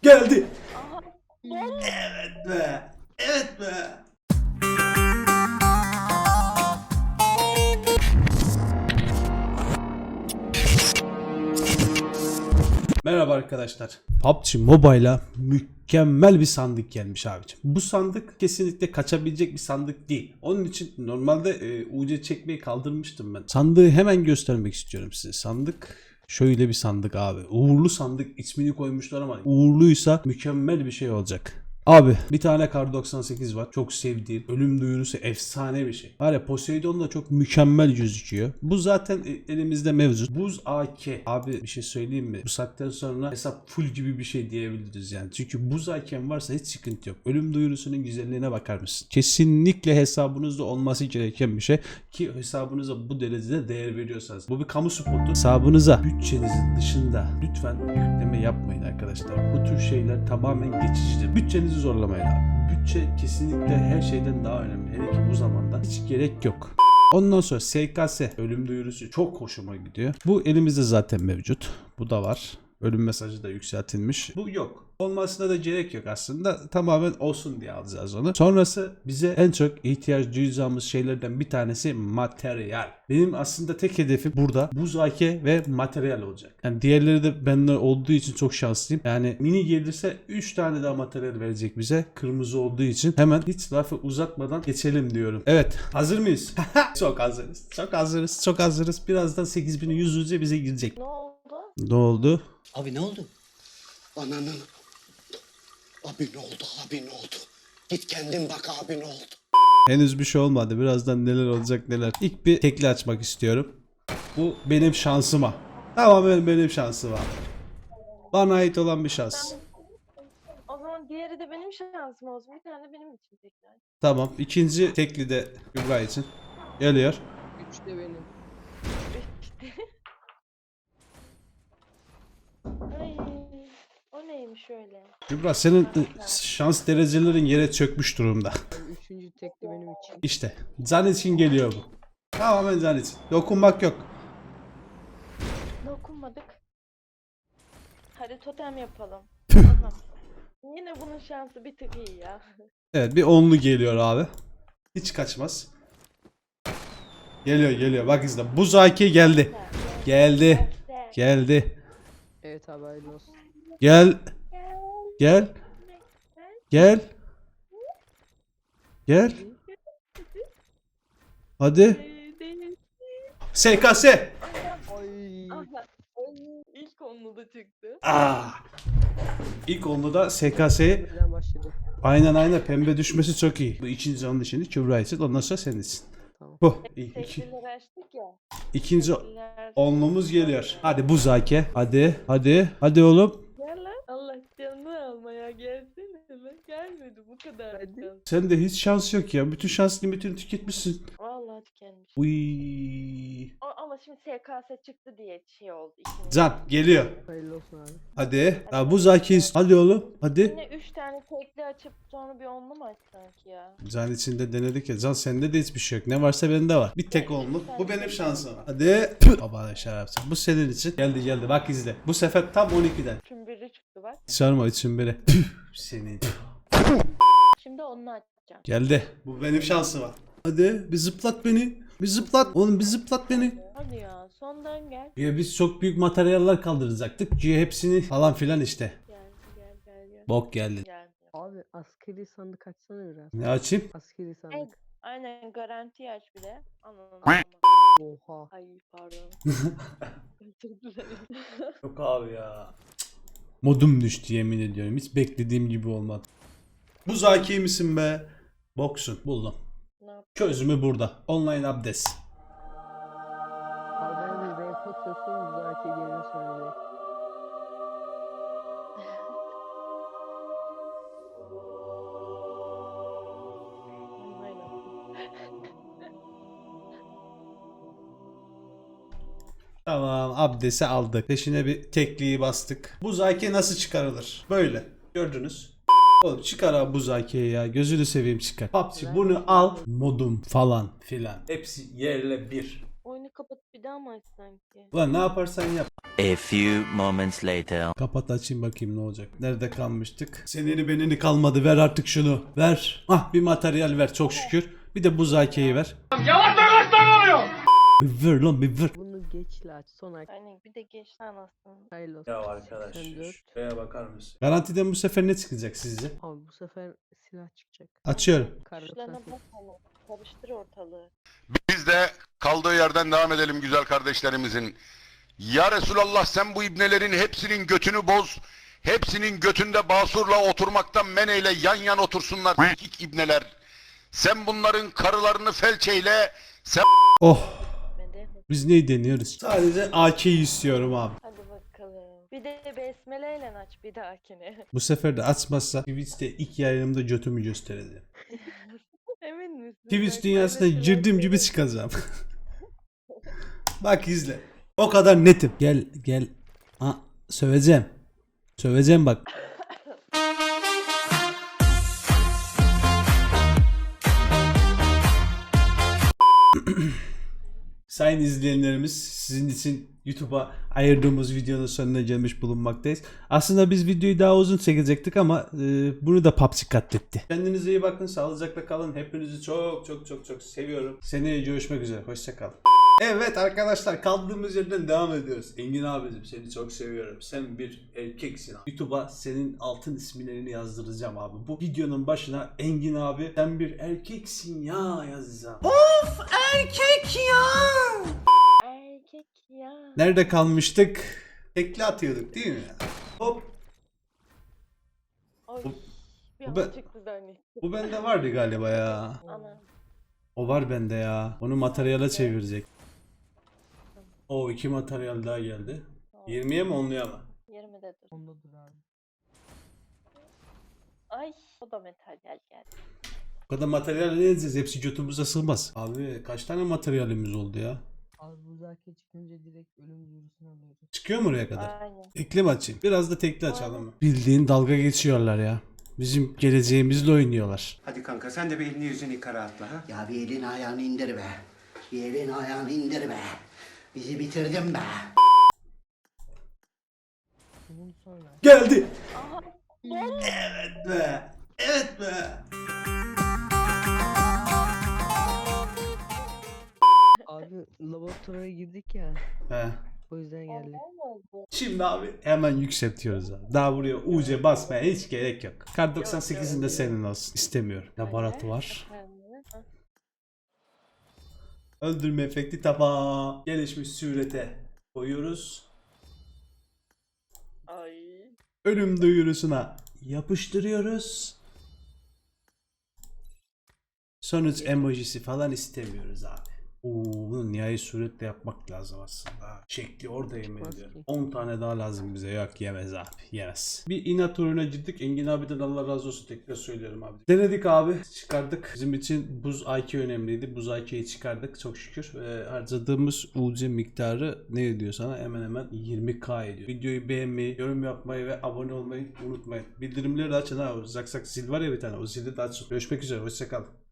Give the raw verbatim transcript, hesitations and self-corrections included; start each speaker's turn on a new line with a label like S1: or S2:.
S1: Geldi.
S2: Aha.
S1: Evet be. Evet be. Merhaba arkadaşlar. P U B G Mobile'a mükemmel bir sandık gelmiş abicim. Bu sandık kesinlikle kaçabilecek bir sandık değil. Onun için normalde e, U C çekmeyi kaldırmıştım ben. Sandığı hemen göstermek istiyorum size. Sandık şöyle bir sandık abi. Uğurlu sandık ismini koymuşlar ama uğurluysa mükemmel bir şey olacak. Abi bir tane Kar doksan sekiz var. Çok sevdiğim. Ölüm duyurusu efsane bir şey. Var ya, Poseidon da çok mükemmel gözüküyor. Bu zaten elimizde mevcut. Buz A K. Abi bir şey söyleyeyim mi? Bu saatten sonra hesap full gibi bir şey diyebiliriz yani. Çünkü buz A K'm varsa hiç sıkıntı yok. Ölüm duyurusunun güzelliğine bakar mısın? Kesinlikle hesabınızda olması gereken bir şey. Ki hesabınıza bu derecede değer veriyorsanız. Bu bir kamu spotu. Hesabınıza bütçenizin dışında lütfen yükleme yapmayın arkadaşlar. Bu tür şeyler tamamen geçicidir. Bütçenizi zorlamayın abi. Bütçe kesinlikle her şeyden daha önemli. Hele ki bu zamanda hiç gerek yok. Ondan sonra S K S ölüm duyurusu çok hoşuma gidiyor. Bu elimizde zaten mevcut. Bu da var. Ölüm mesajı da yükseltilmiş. Bu yok. Olmasına da gerek yok aslında. Tamamen olsun diye alacağız onu. Sonrası bize en çok ihtiyaç duyacağımız şeylerden bir tanesi materyal. Benim aslında tek hedefim burada buz A K ve materyal olacak. Yani diğerleri de benden olduğu için çok şanslıyım. Yani mini gelirse üç tane daha materyal verecek bize. Kırmızı olduğu için hemen hiç lafı uzatmadan geçelim diyorum. Evet, hazır mıyız? Çok hazırız. Çok hazırız. Çok hazırız. Birazdan sekiz bin yüz yüze bize girecek.
S2: Ne oldu?
S1: Ne oldu?
S3: Abi ne oldu? Ananın. Abi ne oldu? Abi ne oldu? Git kendin bak abi ne oldu?
S1: Henüz bir şey olmadı. Birazdan neler olacak neler. İlk bir tekli açmak istiyorum. Bu benim şansıma. Tamamen benim şansıma. Bana ait olan bir şans.
S2: O zaman diğeri de benim şansım olsun. Bir tane benim için tekrar.
S1: Tamam. İkinci tekli de Kübra için. Geliyor.
S4: Üç de benim.
S2: İşte. Ay, o neymiş öyle?
S1: Kübra, senin ı, şans derecelerin yere çökmüş durumda.
S4: Yani üçüncü tek de benim için.
S1: İşte. Can için geliyor bu. Tamamen can için. Dokunmak yok.
S2: Dokunmadık. Hadi totem yapalım. Aha. Yine bunun şansı bir tık iyi ya.
S1: Evet, bir onlu geliyor abi. Hiç kaçmaz. Geliyor geliyor. Bak izle. Buz A K geldi. Geldi. Geldi.
S4: Evet abi hayırlı olsun.
S1: Gel. Gel. Gel. Gel. Hadi. S K S.
S4: Ay.
S2: Aha. Ay, İlk onlu da çıktı.
S1: Ah. İlk onda da S K S'ye
S4: Birden başladı.
S1: aynen aynen pembe düşmesi çok iyi. Bu ikinci onun için Kübra için, ondan sonra senin için.
S4: Tamam.
S1: Bu. İyi. İki,
S2: Teklileri açtık ya.
S1: ikinci
S2: Tekliler-
S1: onluğumuz geliyor. Hadi bu zake. Hadi. Hadi. Hadi oğlum.
S2: Gel lan. Allah canını almaya gelsene lan. Gelmedi bu kadar.
S4: Hadi.
S2: şans.
S1: Sende hiç şans yok ya. Bütün şans limitini tüketmişsin.
S2: Vallahi tükenmiş.
S1: Uy.
S2: O- Ama şimdi S K S çıktı diye şey oldu. ikinci.
S1: Can geliyor.
S4: Hayırlı olsun abi.
S1: Hadi. Ya bu zake. Hadi oğlum. Hadi.
S2: Yine üç tane tekli açıp sonra bir onlu mu açsak ya?
S1: Can içinde denedik ya. Can sende de hiçbir şey yok. Ne varsa bende var. Bir tek onlu. Bu benim şansım. Hadi. Baba şarapsın. Bu senin için. Geldi geldi. Bak izle. Bu sefer tam on ikiden.
S2: Şimdi biri çıktı bak.
S1: Sarma için biri. Senin.
S2: Şimdi onu açacağım.
S1: Geldi. Bu benim şansım var. Hadi bir zıplat beni. Bir zıplat. Oğlum bir zıplat beni.
S2: Hadi ya sondan gel.
S1: Ya biz çok büyük materyaller kaldıracaktık. Ki hepsini falan filan işte.
S2: Gel gel gel gel.
S1: Bok geldi.
S2: Gel.
S4: Abi askeri sandık açsana biraz.
S1: Ne açayım?
S4: Askeri
S2: Ay,
S4: sandık.
S2: aynen garanti aç bir de. Anladım.
S4: Oha.
S2: Ay pardon. Özür dilerim.
S1: Yok abi ya. Modum düştü yemin ediyorum. Hiç beklediğim gibi olmadı. Bu zaki misin be? Boksun. Buldum.
S2: Ne yap?
S1: Çözümü burada. Online abdest.
S4: Abi ben bir renk atıyorsun zaten geliyor sonra direkt.
S2: Aynen.
S1: Tamam, abdesti aldık. Peşine bir tekliği bastık. Bu zaki nasıl çıkarılır? Böyle. Gördünüz. Oğlum çıkar abi bu zakiyi ya. Gözünü seveyim çıkar. P U B G bunu al. Modum falan filan. Hepsi yerle bir.
S2: Oyunu kapatıp bir daha mı açsan ki?
S1: Ulan ne yaparsan yap.
S5: A few moments later.
S1: Kapat açayım bakayım ne olacak. Nerede kalmıştık? Seneni benini kalmadı, ver artık şunu. Ver. Ah bir materyal ver çok şükür. Bir de buz hakeyi ver. Yavaş yavaş oluyor. Bir ver lan bir ver.
S4: Bunu geçle aç. Sonra
S2: Aynen bir de geç anasını.
S4: hayırlı olsun.
S1: Ya arkadaş
S4: seksen dört.
S1: şuraya bakar mısın? Garantiden bu sefer ne çıkacak sizce?
S4: Abi bu sefer silah çıkacak.
S1: Açıyorum.
S4: Kar
S2: Tuşlarına
S4: doksan sekiz.
S2: bak ama. Karıştır ortalığı.
S6: Biz de kaldığı yerden devam edelim güzel kardeşlerimizin. Ya Resulallah sen bu ibnelerin hepsinin götünü boz. Hepsinin götünde basurla oturmaktan men eyle, yan yan otursunlar sikik ibneler. Sen bunların karılarını felç eyle. Sen
S1: Oh.
S2: Mede.
S1: Biz neyi deniyoruz? Sadece A K'yi istiyorum abi.
S2: Hadi bakalım. Bir de besmeleyle aç bir dahakine.
S1: Bu sefer de açmazsa Twitch'te ilk yayınımda götümü göstereceğim.
S2: Emin misin?
S1: Twitch
S2: Bak,
S1: dünyasına
S2: paylaşılan
S1: girdiğim
S2: şey-
S1: gibi çıkacağım. Bak izle. O kadar netim. Gel gel. Ha, söveceğim. Söveceğim bak. Sayın izleyenlerimiz, sizin için YouTube'a ayırdığımız videonun sonuna gelmiş bulunmaktayız. Aslında biz videoyu daha uzun çekecektik ama e, bunu da P U B G katletti. Kendinize iyi bakın, sağlıcakla kalın. Hepinizi çok çok çok çok seviyorum. Seneye görüşmek üzere, hoşça kalın. Evet arkadaşlar, kaldığımız yerden devam ediyoruz. Engin abicim seni çok seviyorum. Sen bir erkeksin abi. YouTube'a senin altın isimlerini yazdıracağım abi. Bu videonun başına Engin abi sen bir erkeksin ya yazacağım.
S2: Erkek ya.
S1: Nerede kalmıştık? Tekli atıyorduk değil mi? Hop.
S2: Ay.
S1: Bu-
S2: Bir
S1: bu
S2: an
S1: ben-
S2: çıktı zannettim.
S1: Bu bende vardı galiba ya.
S2: Ana.
S1: O var bende ya. Onu materyale çevirecek. O iki materyal daha geldi. yirmiye mi onluya mı?
S2: yirmide dur.
S4: Ondadır abi.
S2: Ay. O da materyal geldi.
S1: Bu kadar materyal ne edeceğiz? Hepsi götümüze sığmaz. Abi kaç tane materyalimiz oldu ya?
S4: Abi bu zaki çıkınca direkt ölüm duyurusunu alıyoruz.
S1: Çıkıyor mu oraya kadar?
S2: Aynen.
S1: Tekli mi açayım? Biraz da tekli açalım mı? Bildiğin dalga geçiyorlar ya. Bizim geleceğimizle oynuyorlar.
S3: Hadi kanka sen de bir elini yüzünü yıka rahatla ha.
S7: Ya bir elini ayağını indir be. Bir elini ayağını indir be. Bizi bitirdin be.
S4: Bunun sonra.
S1: Geldi.
S2: Aha.
S1: Evet be. Evet be.
S4: Abi laboratuvara girdik ya.
S1: He.
S4: O yüzden geldi.
S2: Ne oldu?
S1: Şimdi abi hemen yükseltiyoruz abi. Daha buraya U C basmaya hiç gerek yok. Kar doksan sekizin de senin olsun. İstemiyorum. Laboratuvar.
S2: Efendim? Ha.
S1: Öldürme efekti tamam. Gelişmiş surete koyuyoruz.
S2: Ay.
S1: Ölüm duyurusuna yapıştırıyoruz. Sonuç emojisi falan istemiyoruz abi. Oo, bunu nihai suretle yapmak lazım aslında. Şekli orada yemin
S4: Çıkmaz
S1: ediyorum.
S4: ki.
S1: on tane daha lazım bize. Yok yemez abi. Yemez. Bir inat uğruna gittik. Engin abiden Allah razı olsun tekrar söylüyorum abi. Denedik abi. Çıkardık. Bizim için buz I Q önemliydi. Buz I Q'yi çıkardık çok şükür. Ee, harcadığımız U C miktarı ne ediyor sana? Hemen hemen yirmi K ediyor. Videoyu beğenmeyi, yorum yapmayı ve abone olmayı unutmayın. Bildirimleri de açın ha. O zak zak zil var ya bir tane. O zili de açın. Görüşmek üzere. Hoşçakalın.